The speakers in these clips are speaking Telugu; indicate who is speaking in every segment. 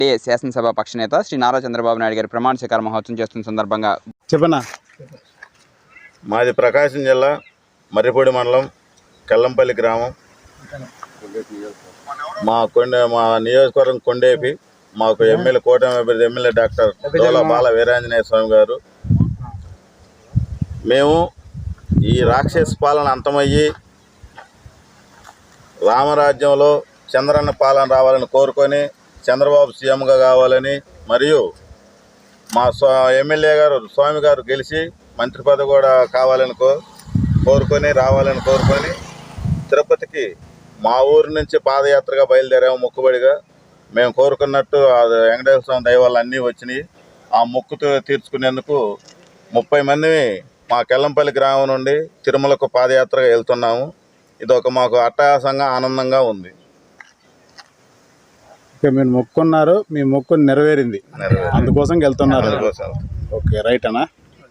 Speaker 1: శాసనసభ పక్ష నేత శ్రీ నారా చంద్రబాబు నాయుడు గారి ప్రమాణ స్వీకార మహోత్సవం చేస్తున్న సందర్భంగా
Speaker 2: చెప్పనా.
Speaker 3: మాది ప్రకాశం జిల్లా మర్రిపూడి మండలం కెల్లంపల్లి గ్రామం. మా నియోజకవర్గం కొండేపి. మాకు ఎమ్మెల్యే కూటమి అభ్యర్థి ఎమ్మెల్యే డాక్టర్ దోలా బాల వీరాంజనేయ స్వామి గారు. మేము ఈ రాక్షస పాలన అంతమయ్యి రామరాజ్యంలో చంద్రన్న పాలన రావాలని కోరుకొని చంద్రబాబు సీఎంగా కావాలని, మరియు మా ఎమ్మెల్యే గారు స్వామి గారు గెలిచి మంత్రి పదవి కూడా కావాలని రావాలని కోరుకొని తిరుపతికి మా ఊరి నుంచి పాదయాత్రగా బయలుదేరాము. మొక్కుబడిగా మేము కోరుకున్నట్టు వెంకటేశ్వర స్వామి దయ వల్ల అన్నీ వచ్చినాయి. ఆ మొక్కు తీర్చుకునేందుకు 30 మంది మా కెల్లంపల్లి గ్రామం నుండి తిరుమలకు పాదయాత్రగా వెళ్తున్నాము. ఇదొక మాకు అట్టహాసంగా ఆనందంగా ఉంది.
Speaker 2: మీరు మొక్కున్నారు, మీ మొక్కు నెరవేరింది, అందుకోసం వెళ్తున్నారు. ఓకే, రైట్ అన్నా.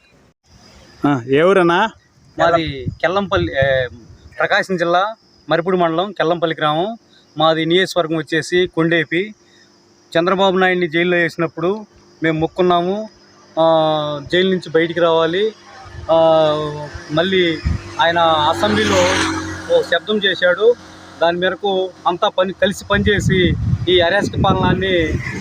Speaker 2: ఏ ఊరన్నా?
Speaker 4: మాది కెల్లంపల్లి, ప్రకాశం జిల్లా మరిపూడి మండలం కెల్లంపల్లి గ్రామం. మాది నియోజకవర్గం వచ్చేసి కొండేపి. చంద్రబాబు నాయుడిని జైల్లో వేసినప్పుడు మేము మొక్కున్నాము, జైలు నుంచి బయటికి రావాలి. మళ్ళీ ఆయన అసెంబ్లీలో ఓ శబ్దం చేశాడు. దాని మేరకు అంతా కలిసి పనిచేసి ఈ అరాచక పాలనాన్ని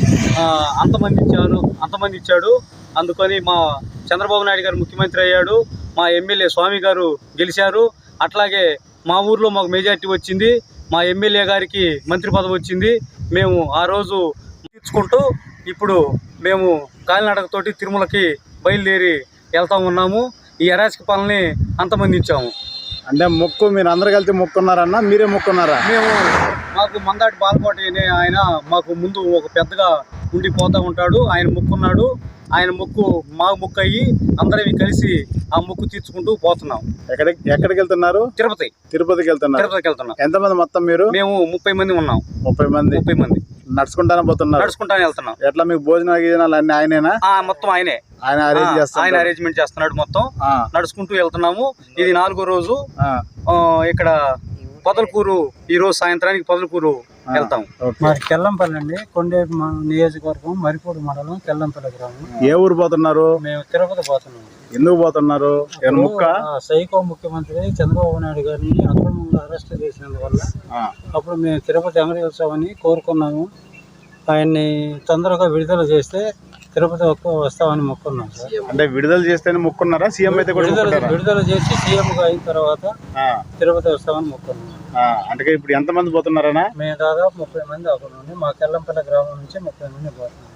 Speaker 4: అంతమందించాడు. అందుకని మా చంద్రబాబు నాయుడు గారు ముఖ్యమంత్రి అయ్యాడు. మా ఎమ్మెల్యే స్వామి గారు గెలిచారు. అట్లాగే మా ఊర్లో మాకు మెజార్టీ వచ్చింది. మా ఎమ్మెల్యే గారికి మంత్రి పదవి వచ్చింది. మేము ఆ రోజు తీర్చుకుంటూ ఇప్పుడు మేము కాలినడకతోటి తిరుమలకి బయలుదేరి వెళ్తా ఉన్నాము. ఈ అరాచక పాలనని అంతమందించాము.
Speaker 2: అంటే మొక్కు మీరు అందరు కలిసి మొక్కున్నారన్నా, మీరే మొక్కున్నారా?
Speaker 4: మాకు మందాటి బాలకోటి అనే ఆయన మాకు ముందు ఒక పెద్దగా ఉండిపోతూ ఉంటాడు. ఆయన మొక్కున్నాడు. ఆయన మొక్కు మా మొక్కు అయ్యి అందరం కలిసి ఆ మొక్కు తీర్చుకుంటూ పోతున్నాం.
Speaker 2: ఎక్కడికి వెళ్తున్నారు? తిరుపతికి వెళ్తున్నారు. ఎంతమంది మొత్తం మీరు?
Speaker 4: మేము 30 మంది ఉన్నాం.
Speaker 2: 30 మంది నడుచుకుంటానే పోతున్నారు?
Speaker 4: నడుచుకుంటానే వెళ్తున్నాం.
Speaker 2: ఎట్లా మీకు భోజనాలు అన్ని ఆయనేనా?
Speaker 4: మొత్తం ఆయన అరేంజ్మెంట్ చేస్తున్నాడు. మొత్తం నడుచుకుంటూ వెళ్తున్నాము. ఇది 4వ రోజు. ఇక్కడ పొదలకూరు, ఈ రోజు సాయంత్రానికి పొదలకూరు వెళ్తాం.
Speaker 5: మరి కెల్లంపల్లి అండి, కొండేపి నియోజకవర్గం మరిపూడి మండలం కెల్లంపల్లి గ్రామం.
Speaker 2: ఏ ఊరు పోతున్నారు?
Speaker 5: మేము తిరుపతి పోతున్నాం.
Speaker 2: ఎందుకు పోతున్నారు?
Speaker 5: సైకో ముఖ్యమంత్రి చంద్రబాబు నాయుడు గారిని అక్రమంగా అరెస్ట్ చేసినందువల్ల అప్పుడు మేము తిరుపతి వెంకటేశ్వరని కోరుకున్నాము. ఆయన్ని తొందరగా విడుదల చేస్తే తిరుపతి వస్తామని మొక్కున్నాం సార్.
Speaker 2: అంటే విడుదల చేస్తేనే మొక్కున్నారా? సీఎం అయితే
Speaker 5: విడుదల చేసి సీఎంగా అయిన తర్వాత తిరుపతి వస్తామని మొక్కున్నాం.
Speaker 2: అంటే ఇప్పుడు ఎంతమంది పోతున్నారనా?
Speaker 5: మేము దాదాపు 30 మంది అక్కడ నుండి, మా కెల్లంపల్లి గ్రామం నుంచి 30 మంది పోతున్నాం.